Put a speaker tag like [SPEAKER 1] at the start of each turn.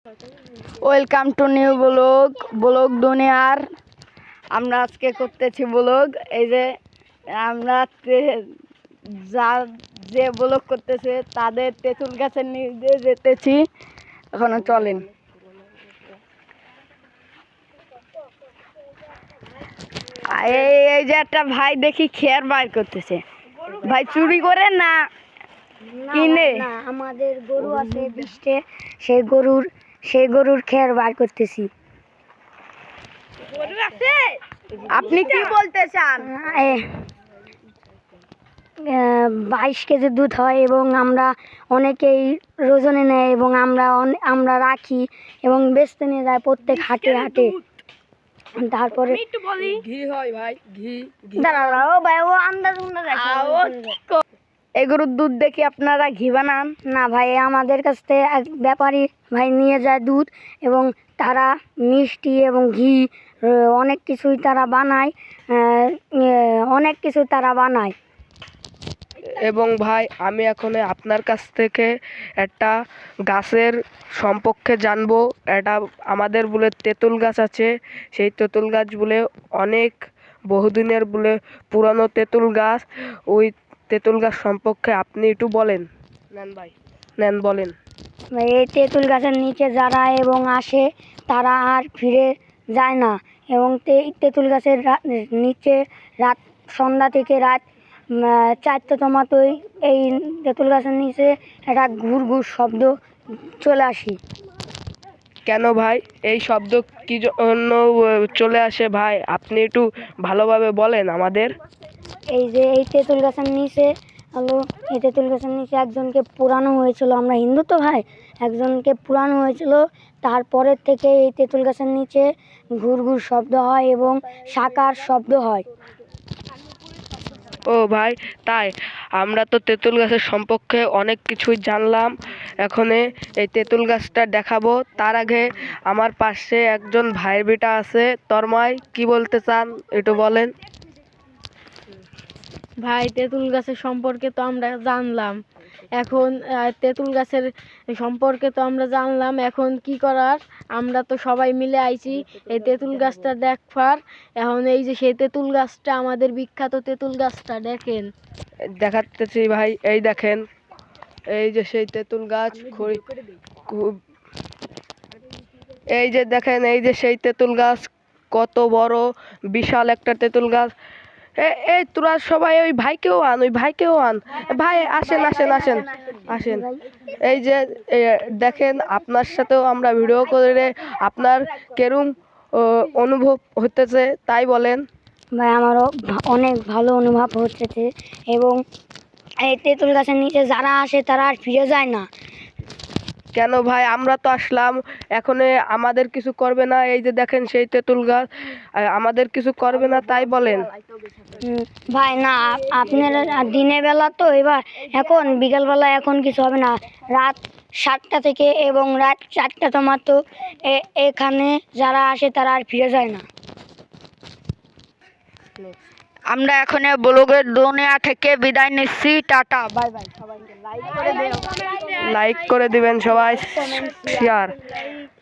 [SPEAKER 1] Welcome to new blog দুনিয়ার। আমরা আজকে করতেছি ব্লগ। এই যে আমরা যে ব্লগ করতেছে তাদের তেঁতুল গাছের নিচে যেতেছি। এখনো চলেন। এই যে একটা ভাই দেখি খেয়ার বাইর করতেছে। ভাই চুরি করে না কিনে?
[SPEAKER 2] না, আমাদের গরু আছে 20টে, সেই গরুর খের বার করতেছি।
[SPEAKER 1] আপনি কি বলতে চান?
[SPEAKER 2] 22 কেজি দুধ হয় এবং আমরা অনেকেই ওজনে নেয় এবং আমরা রাখি এবং বেচতে নিয়ে যায় প্রত্যেক হাটে। তারপরে
[SPEAKER 1] ঘি হয় ভাই, ঘি।
[SPEAKER 2] দাঁড়াও ভাই, ও আন্দাজ
[SPEAKER 1] এই গরুর দুধ দেখি আপনারা ঘি বানান?
[SPEAKER 2] না ভাই, আমাদের কাছ থেকে এক ব্যাপারী ভাই নিয়ে যায় দুধ এবং তারা মিষ্টি এবং ঘি অনেক কিছুই তারা বানায়।
[SPEAKER 3] এবং ভাই, আমি এখন আপনার কাছ থেকে একটা গাছের সম্পর্কে জানবো। এটা আমাদের বলে তেঁতুল গাছ আছে। সেই তেঁতুল গাছ বলে অনেক বহুদিনের বলে পুরানো তেঁতুল গাছ। ওই তেঁতুল গাছ সম্পর্কে আপনি একটু বলেন। বলেন।
[SPEAKER 2] এই তেঁতুল গাছের নিচে যারা এবং আসে তারা আর ফিরে যায় না এবং তেঁতুল গাছের নিচে রাত সন্ধ্যা থেকে রাত 4টে টমাটোই এই তেঁতুল গাছের নিচে একটা ঘুর শব্দ চলে আসে।
[SPEAKER 3] কেন ভাই, এই শব্দ কি জন্য চলে আসে ভাই? আপনি একটু ভালোভাবে বলেন আমাদের।
[SPEAKER 2] এই তেঁতুল গাছের নিচে একজনকে পোড়ানো হয়েছিল। আমরা হিন্দু তো ভাই, একজনকে পোড়ানো হয়েছিল। তারপরের থেকে এই তেঁতুল গাছের নিচে ঘুর শব্দ হয় এবং শাকার শব্দ হয়।
[SPEAKER 3] ও ভাই, তাই? আমরা তো তেঁতুল গাছের সম্পর্কে অনেক কিছুই জানলাম। এখন এই তেঁতুল গাছটা দেখাবো। তার আগে আমার পাশে একজন ভাইয়ের বেটা আছে, তন্ময়, কি বলতে চান একটু বলেন।
[SPEAKER 4] ভাই, তেঁতুল গাছের সম্পর্কে তো আমরা জানলাম। এখন এখন কি করার? আমরা তো সবাই মিলে আইছি এই তেঁতুল গাছটা দেখবার। এখন এই যে সেই তেঁতুল গাছটা, আমাদের বিখ্যাত তেঁতুল গাছটা দেখেন।
[SPEAKER 3] দেখাতেছি ভাই, এই দেখেন, এই যে সেই তেঁতুল গাছ। এই যে দেখেন, এই যে সেই তেঁতুল গাছ, কত বড় বিশাল একটা তেঁতুল গাছ। এই তোরা সবাই ওই ভাইকেও আন। ভাই আসেন। এই যে দেখেন, আপনার সাথেও আমরা ভিডিও করে, আপনার কেরম অনুভব হতেছে তাই বলেন।
[SPEAKER 2] ভাই, আমারও অনেক ভালো অনুভব হচ্ছে এবং এই তেঁতুল গাছের নিচে যারা আসে তারা আর ফিরে যায় না।
[SPEAKER 3] কেন ভাই, আমরা তো আসলাম, এখন আমাদের কিছু করবে না? এই যে দেখেন সেই তেঁতুল গাছ, আমাদের কিছু করবে না তাই বলেন।
[SPEAKER 2] ভাই না, আপনার দিনের বেলা তো, এবার এখন বিকালবেলা এখন কিছু হবে না। রাত 7টা থেকে এবং রাত 4টা টমাটো এখানে যারা আসে তারা আর ফিরে যায় না।
[SPEAKER 1] আমরা এখন ব্লগের দুনিয়া থেকে বিদায় নিচ্ছি। Tata, bye bye. সবাইকে লাইক করে
[SPEAKER 3] দিবেন সবাই, শেয়ার।